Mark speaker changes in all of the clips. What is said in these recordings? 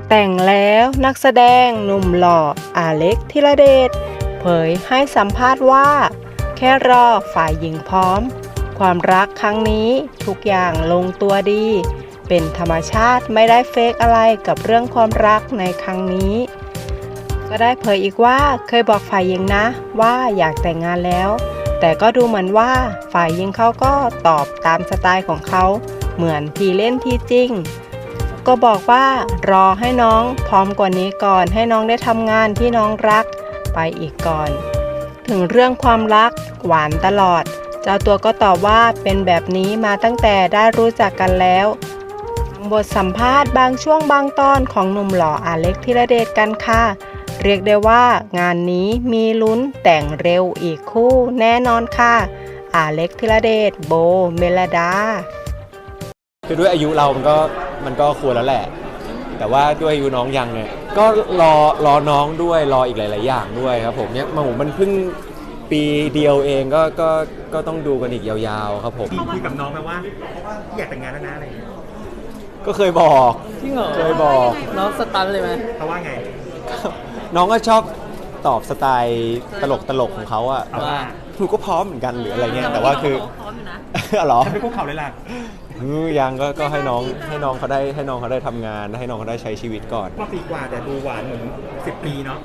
Speaker 1: แต่งแล้วนักแสดงหนุ่มหล่ออาเล็กธีรเดชเผยให้สัมภาษณ์ว่าแค่รอฝ่ายหญิงพร้อมความรักครั้งนี้ทุกอย่างลงตัวดีเป็นธรรมชาติไม่ได้เฟกอะไรกับเรื่องความรักในครั้งนี้ก็ได้เผยอีกว่าเคยบอกฝ่ายหญิงนะว่าอยากแต่งงานแล้วแต่ก็ดูเหมือนว่าฝ่ายหญิงเขาก็ตอบตามสไตล์ของเขาเหมือนทีเล่นทีจริงก็บอกว่ารอให้น้องพร้อมกว่านี้ก่อนให้น้องได้ทำงานที่น้องรักไปอีกก่อนถึงเรื่องความรักหวานตลอดเจ้าตัวก็ตอบว่าเป็นแบบนี้มาตั้งแต่ได้รู้จักกันแล้วบทสัมภาษณ์บางช่วงบางตอนของหนุ่มหล่ออาเล็กธีรเดชกันค่ะเรียกได้ว่างานนี้มีลุ้นแต่งเร็วอีกคู่แน่นอนค่ะอาเล็กธีรเดชโบเมลดา
Speaker 2: คือด้วยอายุเรามันก็ควรแล้วแหละแต่ว่าด้วยอายุน้องยังเนี่ยก็รอน้องด้วยรออีกหลายๆอย่างด้วยครับผมเนี่ยมันเพิ่งปีเดียวเองก็ต้องดูกันอีกยาวๆครับผม
Speaker 3: คุยกับน้องไหมว่าอยากแต่งงานแล้วนะอะไรอย่างเงี้ย
Speaker 2: ก็เคยบอก
Speaker 4: จริงเหรอ
Speaker 2: เคยบอก
Speaker 4: น้องสตันเลยไหม
Speaker 3: เขาว่าไง
Speaker 2: น้องก็ชอบตอบสไตล์ตลกของเขาอะ
Speaker 3: ว่า
Speaker 2: หนูก็พร้อมเหมือนกันหรืออะไรเงี้ยแต่ว่าคือ
Speaker 4: พร้อมอยู่นะ
Speaker 2: เหรอ
Speaker 3: ฉันเป็นพวกเขาเลยล่ะ
Speaker 2: ยังก็ให้น้องเขาได้ทำงานให้น้องเขาได้ใช้ชีวิตก่อน
Speaker 3: มาปีกว่าแต่ดูหวานเหมือน10 ปีเนาะ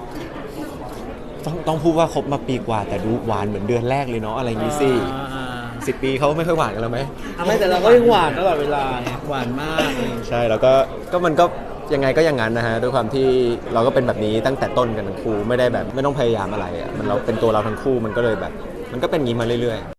Speaker 2: ต้องพูดว่าคบมาปีกว่าแต่ดูหวานเหมือนเดือนแรกเลยเนาะอะไรอย่างงี้สิ10 ปีเขาไม่ค่อยหวานกันแล้วไหม
Speaker 4: ไม่แต่เราก็ยังหวานตลอดเวลาไงหวานมาก
Speaker 2: ใช่แล้วก็มันก็ยังไงก็อย่างนั้นนะฮะด้วยความที่เราก็เป็นแบบนี้ตั้งแต่ต้นกันทั้งคู่ไม่ได้แบบไม่ต้องพยายามอะไรอ่ะมันเราเป็นตัวเราทั้งคู่มันก็เลยแบบมันก็เป็นอย่างนี้มาเรื่อยๆ